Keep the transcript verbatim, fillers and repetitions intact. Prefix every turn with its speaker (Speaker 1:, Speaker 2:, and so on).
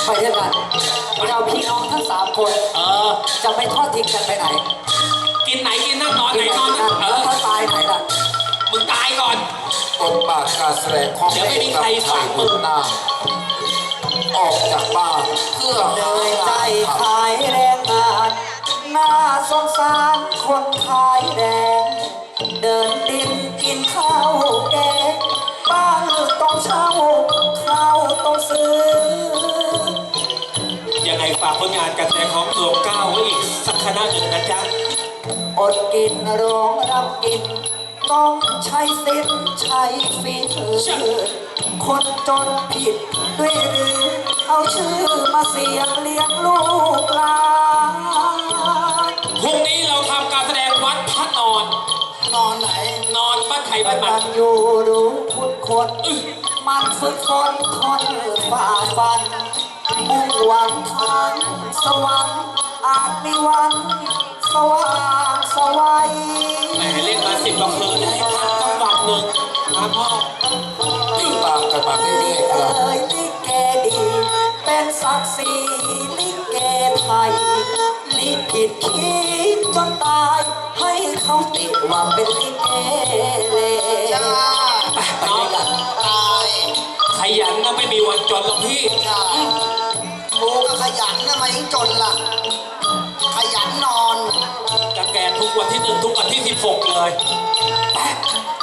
Speaker 1: ไปด้วยกันเราพี่น้องทั้งสามคน
Speaker 2: เออ
Speaker 1: จะไม่ทอดทิ้งกันไปไหน
Speaker 2: กินไหนกินนั่งนอนไหนนอนนั่งเอ
Speaker 1: แล้ว
Speaker 2: อ
Speaker 1: ถ้าตายไหนล่ะ
Speaker 2: มึงตายก่อน
Speaker 3: บทบาทการแสดงของ
Speaker 2: เดี๋ยวไม่มีใครสั่งมึง
Speaker 3: หน้าออกจากบ้านเพื่อ
Speaker 1: เห
Speaker 3: หา
Speaker 1: นื่อยใจ
Speaker 3: งานท
Speaker 1: ขายแรงงานน่าสงสารคนขายแรงเดินดินกินข้าวแกงบ้านต้องเช่าข้าวต้องซื้อ
Speaker 2: ยังไงฝากผลงานการแสดงของตัวก้าวไว้อีกสักคณะหนึ่งนะจ๊ะ
Speaker 1: อดกินโรงรับกินต้องใช้สิทธิ์ใช้ฝีมือคนจนผิดด้วยหรือเอาชื่อมาเสียงเลี้ยงลูกหลาน
Speaker 2: พรุ่งนี้เราทำการแสดงวัดพระนอน
Speaker 1: นอนไหน
Speaker 2: นอนบ้านไทยบ้านมั
Speaker 1: มัน นอยู่รู้คุณคนมันฝึกฝนทนฝ่าฟันมุ่งหวังทางสวรรค์อาจมีวันสว่างสวัย
Speaker 2: แหมเล่นมาสิบกว่าคืนได้พักจังหวัดหนึ่งครับพ่อ
Speaker 3: ำติดตามกันมาเรื่อยๆครับ
Speaker 1: เอ้ยลิเกดี เป็นศักดิ์ศรีลิเกไทยลิขิตคิดจนตายให้เขาติดว่าเป็นลิเกเลย
Speaker 4: จ้า
Speaker 2: ไป
Speaker 1: ไป
Speaker 2: น้อ
Speaker 1: ด้ว
Speaker 2: ง
Speaker 1: ยกัน
Speaker 4: ตาย
Speaker 2: ขยันก็ไม่มีวันจนหรอกพี่
Speaker 4: จ้ากูก็ขยันนะมาถึงจนล่ะ ขยันนอน
Speaker 2: จะแก่ทุกวันที่หนึ่งทุกวันที่สิบหกเลยไป